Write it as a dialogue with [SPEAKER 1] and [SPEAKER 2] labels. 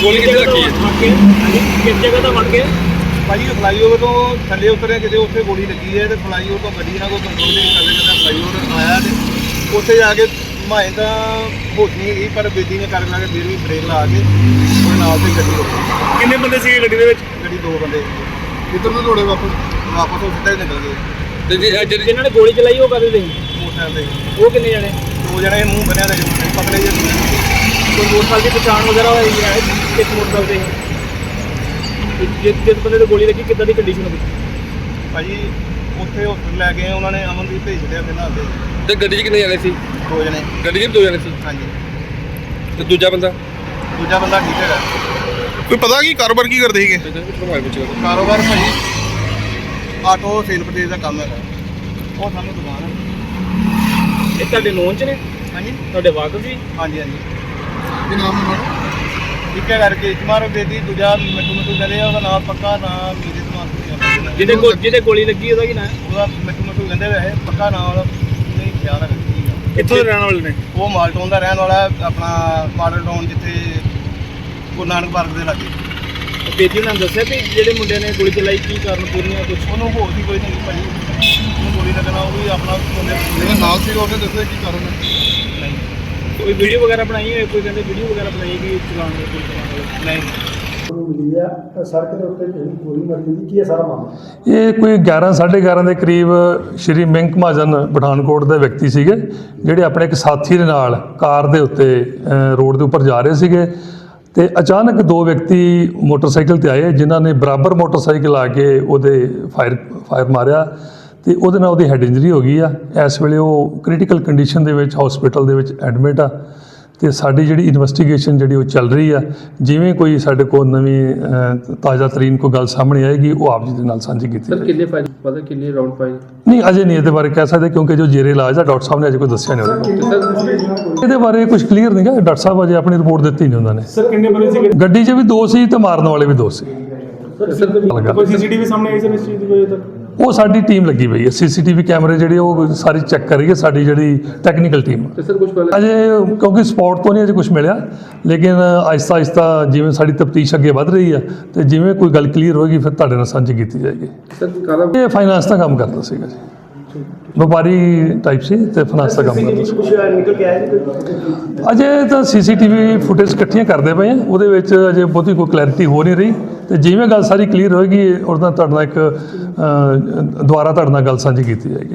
[SPEAKER 1] ਗੋਲੀ ਕਿੱਥੇ ਲੱਗੀ ਹੈ?
[SPEAKER 2] ਕਿਸ ਜਗ੍ਹਾ ਤੋਂ ਵੜ ਕੇ
[SPEAKER 3] ਭਾਜੀ ਫਲਾਈਓਵਰ ਤੋਂ ਥੱਲੇ ਉਤਰੇ ਕਿਤੇ ਉੱਥੇ ਗੋਲੀ ਲੱਗੀ ਹੈ ਤੇ ਫਲਾਈਓਵਰ ਤੋਂ ਗੱਡੀ ਨਾਲ ਕੋਈ ਕੰਟਰੋਲ ਨਹੀਂ ਕਰਦੇ ਜਦੋਂ ਫਲਾਈਓਵਰ ਆਇਆ ਤੇ ਉੱਥੇ ਜਾ ਕੇ ਮਾਏ ਤਾਂ ਹੋਸ਼ ਨਹੀਂ ਗਈ ਪਰ ਬੇਦੀ ਨੇ ਕਰਨ ਲੱਗੇ ਫਿਰ ਵੀ ਬ੍ਰੇਕ ਲਾ ਕੇ ਉਹਦੇ ਨਾਲ ਤੇ ਗੱਡੀ ਰੋਕੀ।
[SPEAKER 1] ਕਿੰਨੇ ਬੰਦੇ ਸੀਗੇ ਗੱਡੀ ਦੇ ਵਿੱਚ?
[SPEAKER 3] ਗੱਡੀ 2 ਬੰਦੇ ਕਿੱਧਰ ਨੂੰ ਦੌੜੇ ਵਾਪਸ ਉਹ ਸਿੱਧਾ ਹੀ ਨਿਕਲ ਗਏ।
[SPEAKER 1] ਤੇ
[SPEAKER 2] ਜਿਨ੍ਹਾਂ ਨੇ ਗੋਲੀ ਚਲਾਈ ਉਹ ਕਦੇ ਦੇ
[SPEAKER 3] ਮੋਟਰਸਾਈਕਲ ਤੇ
[SPEAKER 2] ਉਹ ਕਿੰਨੇ ਜਣੇ?
[SPEAKER 3] 2 ਜਣੇ ਮੂੰਹ ਬੰਨਿਆ ਤੇ ਪਤਲੇ ਜਿਹੇ
[SPEAKER 2] ਕੋਈ ਮੋਟਰਸਾਈਕਲ ਦੀ ਪਛਾਣ ਵਗੈਰਾ ਹੋਈ ਹੈ ਕਿਸ ਮੋਟਰਸਾਈਕਲ ਤੇ? ਜਿਸ ਬੰਦੇ ਤੇ ਗੋਲੀ ਲੱਗੀ ਕਿੱਦਾਂ ਦੀ ਕੰਡੀਸ਼ਨ ਹੋਈ?
[SPEAKER 3] ਭਾਜੀ ਉੱਥੇ ਹਸਪਤਾਲ ਲੈ ਗਏ ਉਹਨਾਂ ਨੇ ਅਮਨਦੀਪ ਭੇਜ ਦਿੱਤਾ ਪਹਿਲਾਂ ਅੱਗੇ।
[SPEAKER 1] ਤੇ ਗੱਡੀ 'ਚ ਕਿੰਨੇ ਜਾਣੇ ਸੀ?
[SPEAKER 3] 2 ਜਣੇ
[SPEAKER 1] ਗੱਡੀ 'ਚ 2 ਜਾਣੇ ਸੀ।
[SPEAKER 3] ਹਾਂਜੀ
[SPEAKER 1] ਤੇ ਦੂਜਾ ਬੰਦਾ
[SPEAKER 3] ਠੀਕ ਹੈਗਾ।
[SPEAKER 4] ਕੋਈ ਪਤਾ ਕੀ ਕਾਰੋਬਾਰ ਕੀ ਕਰਦੇ ਸੀਗੇ?
[SPEAKER 3] ਕਾਰੋਬਾਰ ਭਾਜੀ ਆਟੋ ਸੇਲ ਪਰਚੇਜ਼ ਦਾ ਕੰਮ ਹੈਗਾ। ਉਹ ਸਾਨੂੰ ਦੁਕਾਨ ਹੈ।
[SPEAKER 2] ਇਹ ਤੁਹਾਡੇ ਨੋਨ ਚ ਨੇ?
[SPEAKER 3] ਹਾਂਜੀ
[SPEAKER 2] ਤੁਹਾਡੇ ਵਾਕਫ ਜੀ?
[SPEAKER 3] ਹਾਂਜੀ ਹਾਂਜੀ
[SPEAKER 4] ਕੀ ਨਾਮ ਹੈ?
[SPEAKER 3] ਇੱਕ ਹੈ ਕਰਕੇ ਇਸਮਾਰ ਬੇਦੀ, ਦੂਜਾ ਮਿੱਠੂ ਕਹਿੰਦੇ ਆ ਉਹਦਾ ਨਾਮ ਪੱਕਾ ਨਾਮ ਮੇਰੇ ਦਿਮਾਗ
[SPEAKER 2] ਜਿਹਦੇ ਗੋਲੀ ਲੱਗੀ ਉਹਦਾ ਕੀ ਨਾਮ ਹੈ?
[SPEAKER 3] ਉਹਦਾ ਮਿੱਠੂ ਕਹਿੰਦੇ ਵੈਸੇ ਪੱਕਾ ਨਾਮ ਉਹਦਾ ਨਹੀਂ ਖਿਆਲ ਹੈ।
[SPEAKER 1] ਕਿੱਥੋਂ ਦੇ ਰਹਿਣ ਵਾਲੇ ਨੇ?
[SPEAKER 3] ਉਹ ਮਾਲਟਾਊਨ ਦਾ ਰਹਿਣ ਵਾਲਾ ਆਪਣਾ ਮਾਡਲ ਟਾਊਨ ਜਿੱਥੇ ਗੁਰੂ ਨਾਨਕ ਪਾਰਕ ਦੇ ਲਾਗੇ।
[SPEAKER 2] ਬੇਦੀ ਉਹਨਾਂ ਨੇ ਦੱਸਿਆ ਵੀ ਜਿਹੜੇ ਮੁੰਡਿਆਂ ਨੇ ਗੋਲੀ ਚਲਾਈ ਕੀ ਕਾਰਨ ਪੂਰੀਆਂ ਕੁਝ?
[SPEAKER 3] ਉਹਨੂੰ ਹੋਰ ਵੀ ਕੋਈ ਨਹੀਂ ਭਾਜੀ ਉਹਨੂੰ ਗੋਲੀ ਲੱਗਣਾ ਉਹ ਵੀ ਆਪਣਾ
[SPEAKER 4] ਜਿਹੜਾ ਨਾਲ ਸੀਗਾ ਉਹਨੇ ਦੱਸਿਆ ਕੀ ਕਾਰਨ ਹੈ?
[SPEAKER 3] ਨਹੀਂ
[SPEAKER 2] ਕੋਈ ਵੀਡੀਓ ਵਗੈਰਾ ਬਣਾਈ ਹੋਏ? ਕੋਈ ਕਹਿੰਦੇ ਵੀਡੀਓ ਵਗੈਰਾ ਬਣਾਈ ਕਿ ਚਲਾਉਣ ਦੀ ਗੋਲੀ ਚਲਾਉਣ ਵਾਲੀ?
[SPEAKER 3] ਨਹੀਂ
[SPEAKER 5] ਮਿਲੀ ਆ ਸੜਕ ਦੇ ਉੱਤੇ ਗੋਲੀ ਮਾਰੀ ਗਈ। ਕੀ ਹੈ ਸਾਰਾ ਮਾਮਲਾ?
[SPEAKER 6] ਇਹ ਕੋਈ 11:30 ਦੇ ਕਰੀਬ ਸ਼੍ਰੀ ਮਿੰਕ ਮਹਾਜਨ ਪਠਾਨਕੋਟ ਦੇ ਵਿਅਕਤੀ ਸੀਗੇ ਜਿਹੜੇ ਆਪਣੇ ਇੱਕ ਸਾਥੀ ਦੇ ਨਾਲ ਕਾਰ ਦੇ ਉੱਤੇ ਰੋਡ ਦੇ ਉੱਪਰ ਜਾ ਰਹੇ ਸੀਗੇ ਤੇ ਅਚਾਨਕ 2 ਵਿਅਕਤੀ ਮੋਟਰਸਾਈਕਲ ਤੇ ਆਏ ਜਿਨ੍ਹਾਂ ਨੇ ਬਰਾਬਰ ਮੋਟਰਸਾਈਕਲ ਆ ਕੇ ਉਹਦੇ ਫਾਇਰ ਮਾਰਿਆ ਤੇ ਉਹਦੇ ਨਾਲ ਉਹਦੀ ਹੈਡ ਇੰਜਰੀ ਹੋ ਗਈ ਆ। ਇਸ ਵੇਲੇ ਉਹ ਕ੍ਰਿਟੀਕਲ ਕੰਡੀਸ਼ਨ ਦੇ ਵਿੱਚ ਹਸਪੀਟਲ ਦੇ ਵਿੱਚ ਐਡਮਿਟ ਆ ਤੇ ਸਾਡੀ ਜਿਹੜੀ ਇਨਵੈਸਟੀਗੇਸ਼ਨ ਜਿਹੜੀ ਉਹ ਚੱਲ ਰਹੀ ਆ। ਜਿਵੇਂ ਕੋਈ ਸਾਡੇ ਕੋਲ ਨਵੀਂ ਤਾਜ਼ਾ ਤਰੀਨ ਕੋਈ ਗੱਲ ਸਾਹਮਣੇ ਆਏਗੀ ਉਹ ਆਪ ਜੀ ਦੇ ਨਾਲ ਸਾਂਝੀ ਕੀਤੀ ਜਾਏਗੀ।
[SPEAKER 2] ਕਿੰਨੇ ਫਾਇਰ ਪਤਾ ਕਿੰਨੇ ਰਾਉਂਡ ਪਾਏ?
[SPEAKER 6] ਨਹੀਂ ਅਜੇ ਨਹੀਂ ਇਹਦੇ ਬਾਰੇ ਕਹਿ ਸਕਦੇ ਕਿਉਂਕਿ ਜੋ ਜੇਰੇ ਇਲਾਜ ਦਾ ਡਾਕਟਰ ਸਾਹਿਬ ਨੇ ਅਜੇ ਕੋਈ ਦੱਸਿਆ ਨਹੀਂ ਉਹਦੇ ਇਹਦੇ ਬਾਰੇ ਕੁਝ ਕਲੀਅਰ ਨਹੀਂ ਗਾ। ਡਾਕਟਰ ਸਾਹਿਬ ਅਜੇ ਆਪਣੀ ਰਿਪੋਰਟ ਦਿੱਤੀ ਨਹੀਂ ਉਹਨਾਂ ਨੇ।
[SPEAKER 5] ਸਰ ਕਿੰਨੇ ਬੰਦੇ ਸੀ?
[SPEAKER 6] ਗੱਡੀ 'ਚ ਵੀ 2 ਸੀ ਤੇ ਮਾਰਨ ਵਾਲੇ ਵੀ 2 ਸੀ।
[SPEAKER 5] ਕੋਈ ਸੀਸੀਟੀਵੀ ਸਾਹਮਣੇ ਆਈ ਸਰ ਇਸ ਚੀਜ਼ ਦੀ ਵਜ੍ਹਾ ਤੱਕ?
[SPEAKER 6] ਉਹ ਸਾਡੀ ਟੀਮ ਲੱਗੀ ਪਈ ਹੈ। ਸੀਸੀਟੀਵੀ ਕੈਮਰੇ ਜਿਹੜੇ ਉਹ ਸਾਰੀ ਚੈੱਕ ਕਰ ਰਹੀ ਹੈ ਸਾਡੀ ਜਿਹੜੀ ਟੈਕਨੀਕਲ ਟੀਮ।
[SPEAKER 2] ਤੇ ਸਰ ਕੁਝ
[SPEAKER 6] ਅਜੇ ਕਿਉਂਕਿ ਸਪੌਟ ਤੋਂ ਨਹੀਂ ਅਜੇ ਕੁਝ ਮਿਲਿਆ ਲੇਕਿਨ ਆਹਿਸਤਾ ਆਹਿਸਤਾ ਜਿਵੇਂ ਸਾਡੀ ਤਫਤੀਸ਼ ਅੱਗੇ ਵੱਧ ਰਹੀ ਆ ਤੇ ਜਿਵੇਂ ਕੋਈ ਗੱਲ ਕਲੀਅਰ ਹੋਏਗੀ ਫਿਰ ਤੁਹਾਡੇ ਨਾਲ ਸਾਂਝੀ ਕੀਤੀ ਜਾਏਗੀ।
[SPEAKER 2] ਸਰ
[SPEAKER 6] ਇਹ ਫਾਈਨਾਂਸ ਦਾ ਕੰਮ ਕਰਦਾ ਸੀਗਾ ਜੀ, ਵਪਾਰੀ ਟਾਈਪ ਸੀ ਤੇ ਫਾਈਨਾਂਸ ਦਾ ਕੰਮ ਕਰਦਾ ਸੀ।
[SPEAKER 5] ਕੁਝ ਨਿਕਲ ਕੇ ਆਇਆ ਜੀ?
[SPEAKER 6] ਅਜੇ ਤਾਂ ਸੀਸੀਟੀਵੀ ਫੁਟੇਜ ਇਕੱਠੀਆਂ ਕਰਦੇ ਪਏ ਆ ਉਹਦੇ ਵਿੱਚ ਅਜੇ ਬਹੁਤੀ ਕੋਈ ਕਲੈਰਿਟੀ ਹੋ ਨਹੀਂ ਰਹੀ ਤੇ ਜਿਵੇਂ ਗੱਲ ਸਾਰੀ ਕਲੀਅਰ ਹੋਏਗੀ ਉਹਦਾ ਤੁਹਾਡੇ ਨਾਲ ਇੱਕ ਦੁਬਾਰਾ ਤੁਹਾਡੇ ਨਾਲ ਗੱਲ ਸਾਂਝੀ ਕੀਤੀ ਜਾਏਗੀ।